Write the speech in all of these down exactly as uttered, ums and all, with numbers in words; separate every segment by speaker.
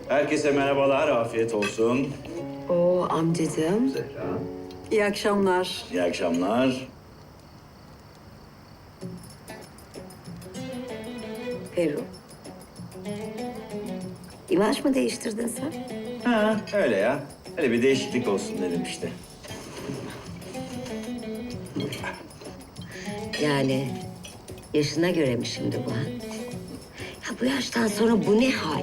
Speaker 1: Herkese merhabalar, afiyet olsun.
Speaker 2: Oo amcacığım.
Speaker 1: Zehra.
Speaker 2: İyi akşamlar.
Speaker 1: İyi akşamlar.
Speaker 2: Ferru. İmaj mı değiştirdin sen?
Speaker 1: Ha, öyle ya. Öyle bir değişiklik olsun dedim işte.
Speaker 2: Yani yaşına göre mi şimdi bu ha? Ya bu yaştan sonra bu ne hal?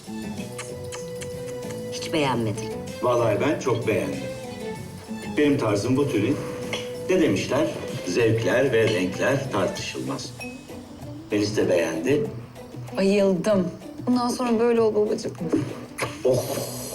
Speaker 2: Hiç beğenmedim.
Speaker 1: Vallahi ben çok beğendim. Benim tarzım bu türü. Ne demişler? Zevkler ve renkler tartışılmaz. Melis de beğendi.
Speaker 3: Bayıldım. Bundan sonra böyle ol babacığım.
Speaker 1: Oh!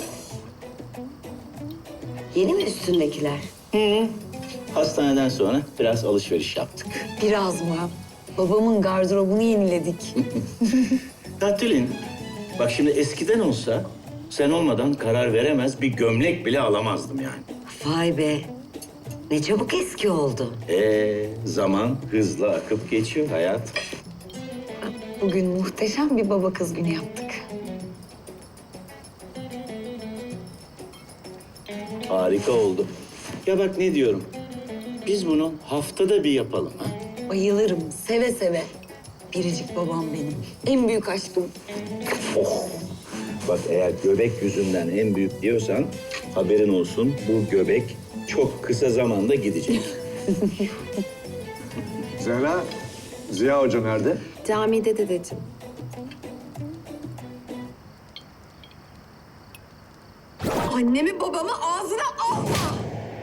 Speaker 2: Yeni mi üstündekiler?
Speaker 1: Hastaneden sonra biraz alışveriş yaptık.
Speaker 3: Biraz mı? Babamın gardırobunu yeniledik.
Speaker 1: Ya Tülin, bak şimdi eskiden olsa sen olmadan karar veremez bir gömlek bile alamazdım yani.
Speaker 2: Vay be. Ne çabuk eski oldu.
Speaker 1: Ee, zaman hızla akıp geçiyor hayat.
Speaker 3: Bugün muhteşem bir baba kız günü yaptık.
Speaker 1: Harika oldu. Ya bak ne diyorum. Biz bunu haftada bir yapalım ha.
Speaker 3: Bayılırım, seve seve. Biricik babam benim. En büyük aşkım.
Speaker 1: Oh! Bak eğer göbek yüzünden en büyük diyorsan haberin olsun bu göbek çok kısa zamanda gidecek.
Speaker 4: Zehra, Ziya Hoca nerede?
Speaker 3: Camide dedeciğim. Annemi babamı ağzına alma.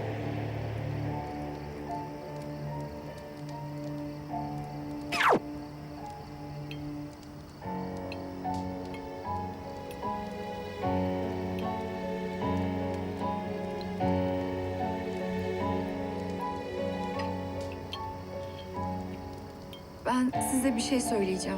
Speaker 5: Ben size bir şey söyleyeceğim.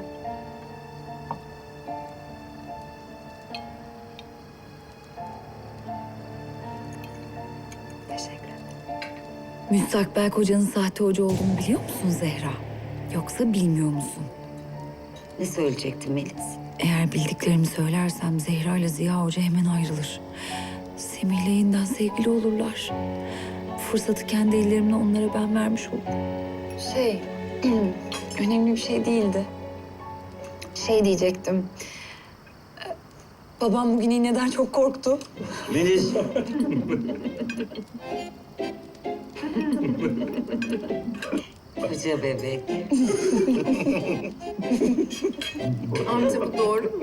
Speaker 3: Teşekkür ederim.
Speaker 5: Müstakbel kocanın sahte hoca olduğunu biliyor musun Zehra? Yoksa bilmiyor musun?
Speaker 2: Ne söyleyecektin Melis?
Speaker 5: Eğer bildiklerimi söylersem Zehra ile Ziya Hoca hemen ayrılır. Semih'le yeniden sevgili olurlar. Fırsatı kendi ellerimle onlara ben vermiş olurum.
Speaker 3: Şey, önemli bir şey değildi. Şey diyecektim. Ee, Babam bugün iğneden çok korktu.
Speaker 1: Melis.
Speaker 2: Koca bebek.
Speaker 5: Amca bu doğru mu?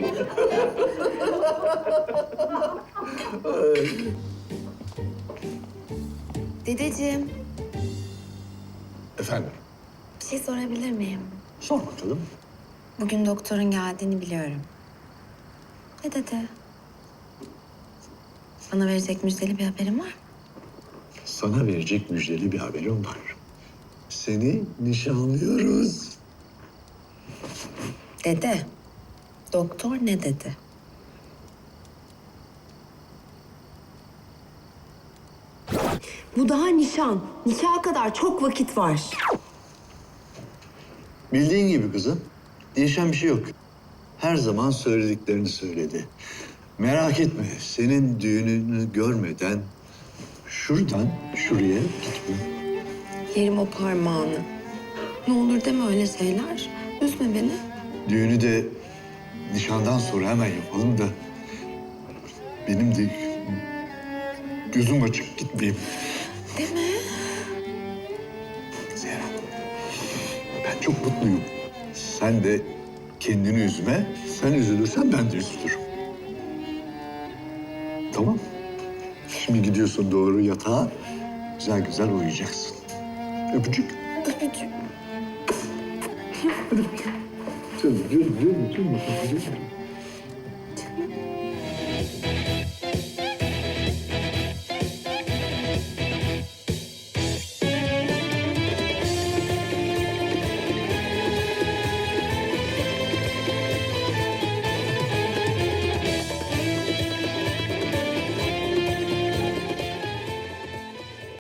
Speaker 6: Dedeciğim,
Speaker 4: Efendim?
Speaker 6: bir şey sorabilir miyim?
Speaker 4: Sor bakalım.
Speaker 6: Bugün doktorun geldiğini biliyorum. Ne dedi? Bana verecek müjdeli bir haberin var mı?
Speaker 4: Sana verecek müjdeli bir haberim var. Seni nişanlıyoruz.
Speaker 6: Dede, doktor ne dedi?
Speaker 7: Bu daha nişan. Nikaha kadar çok vakit var.
Speaker 4: Bildiğin gibi kızım. Değişen bir şey yok. Her zaman söylediklerini söyledi. Merak etme, senin düğününü görmeden şuradan şuraya gitme.
Speaker 6: Yerim o parmağını. Ne olur deme öyle şeyler. Üzme beni.
Speaker 4: Düğünü de nişandan sonra hemen yapalım da benim de gözüm açık gitmeyeyim.
Speaker 6: Deme.
Speaker 4: Zehra, ben çok mutluyum. Sen de kendini üzme. Sen üzülürsen ben de üzülürüm. Tamam. Şimdi gidiyorsun doğru yatağa. Güzel güzel uyuyacaksın. Öpücük.
Speaker 6: Öpücük.
Speaker 4: Canım, canım, canım, canım.